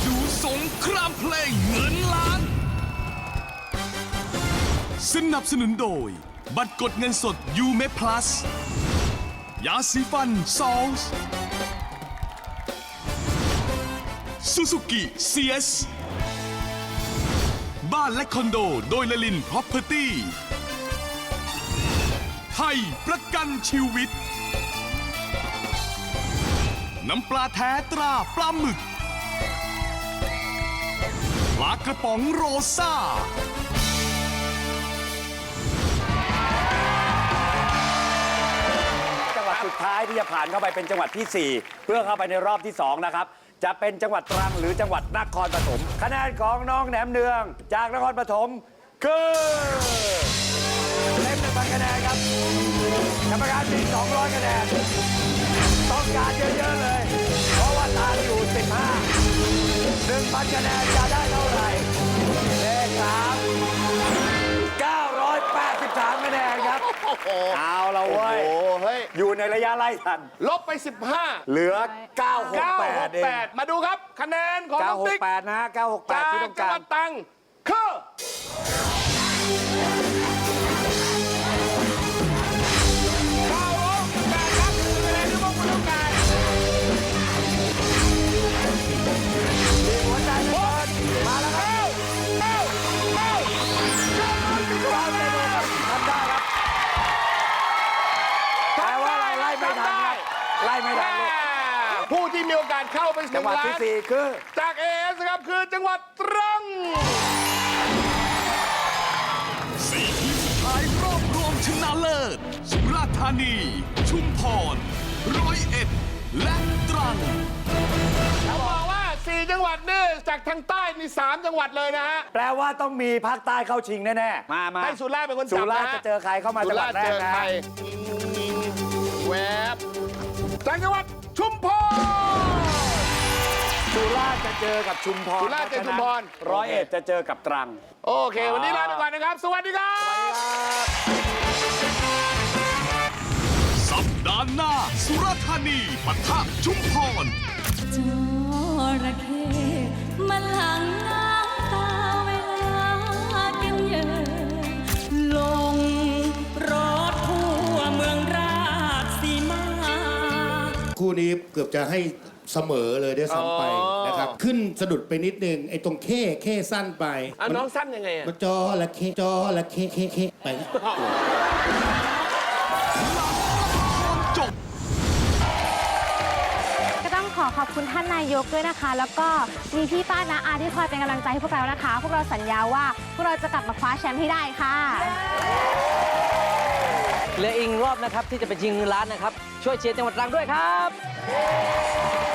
ดูสงครามเพลงเงินล้านสนับสนุนโดยบัตรกดเงินสดยูเมพลัสยาสีฟันซอลส์ซูซูกิเซียสบ้านและคอนโดโดยลลินพ Property ไทยประกันชีวิตน้ำปลาแท้ตราปลาหมึกปลากระป๋องโรซ่าจังหวัดสุดท้ายที่จะผ่านเข้าไปเป็นจังหวัดที่ 4 เพื่อเข้าไปในรอบที่ 2 นะครับ จะเป็นจังหวัดตรังหรือจังหวัดนครปฐมคะแนนของน้องแหนมเนืองจากนครปฐมคือเต็ม1,000 คะแนนครับกรรมการมี200 คะแนนต้องการเยอะๆเลย เพราะว่าตามอยู่ 15 1,000 คะแนนจะได้เท่าไหร่เลข3 983 คะแนนครับเอาละเว้ยโอ้เฮ้ยอยู่ในระยะไล่ทันลบไป 15 เหลือ 968 เอง 968 มาดูครับ คะแนนของน้องติ๊ก 968 นะฮะ 968 จากที่ต้องจังกาหรวัดตรังคือ968 ครับคะแนนที่พวกคุณต้องการมีหัวใจเปิดมาแล้วครับทำได้ครับแต่ว่าเราไล่ไม่ทันครับไล่ไม่ทันลูกผู้ที่มีโอกาสเข้าไปจังหวัดที่ 4 คือจากเอสครับคือจังหวัดตรังสี่ทีมสุดท้ายรอบรวมชนะเลิศสุราษฎร์ธานี ชุมพร101 และตรังเขาบอกว่า 4 จังหวัดนี่จากทางใต้นี่ 3 จังหวัดเลยนะฮะแปลว่าต้องมีภาคใต้เข้าชิงแน่ๆ มาให้สุราษฎร์เป็นคนสุจับราษนะฎร์ฮะจะเจอใครเข้ามาจังหวัดแรกเจอนะใครแวบจากจังหวัดชุมพรสุราษฎร์จะเจอกับชุมพรสุราษฎร์เจอชุมพร 101จะเจอกับตรังโอเค วันนี้ลาไปก่อนนะครับ สวัสดีครับสัปดาห์หน้าสุราษฎร์ธานีปะทะชุมพรจระเข้มันหลั่งน้ำตาเวลากินเหยื่อลงรถทั่วเมืองราชสีมาคู่นี้เกือบจะให้เสมอเลยด้วยซ้ำไปอ๋อนะครับ ขึ้นสะดุดไปนิดนึงไอ้ตรงเข้สั้นไปน้องสั้นยังไงอะมันจอละเข้ไปจบก็ต้องขอบคุณท่านนายกด้วยนะคะ แล้วก็มีพี่ป้าน้าอาที่คอยเป็นกำลังใจให้พวกเรานะคะ พวกเราสัญญาว่าพวกเราจะกลับมาคว้าแชมป์ให้ได้ค่ะเหลืออีกรอบนะครับที่จะไปชิงเงินล้านนะครับ ช่วยเชียร์จังหวัดตรังด้วยครับ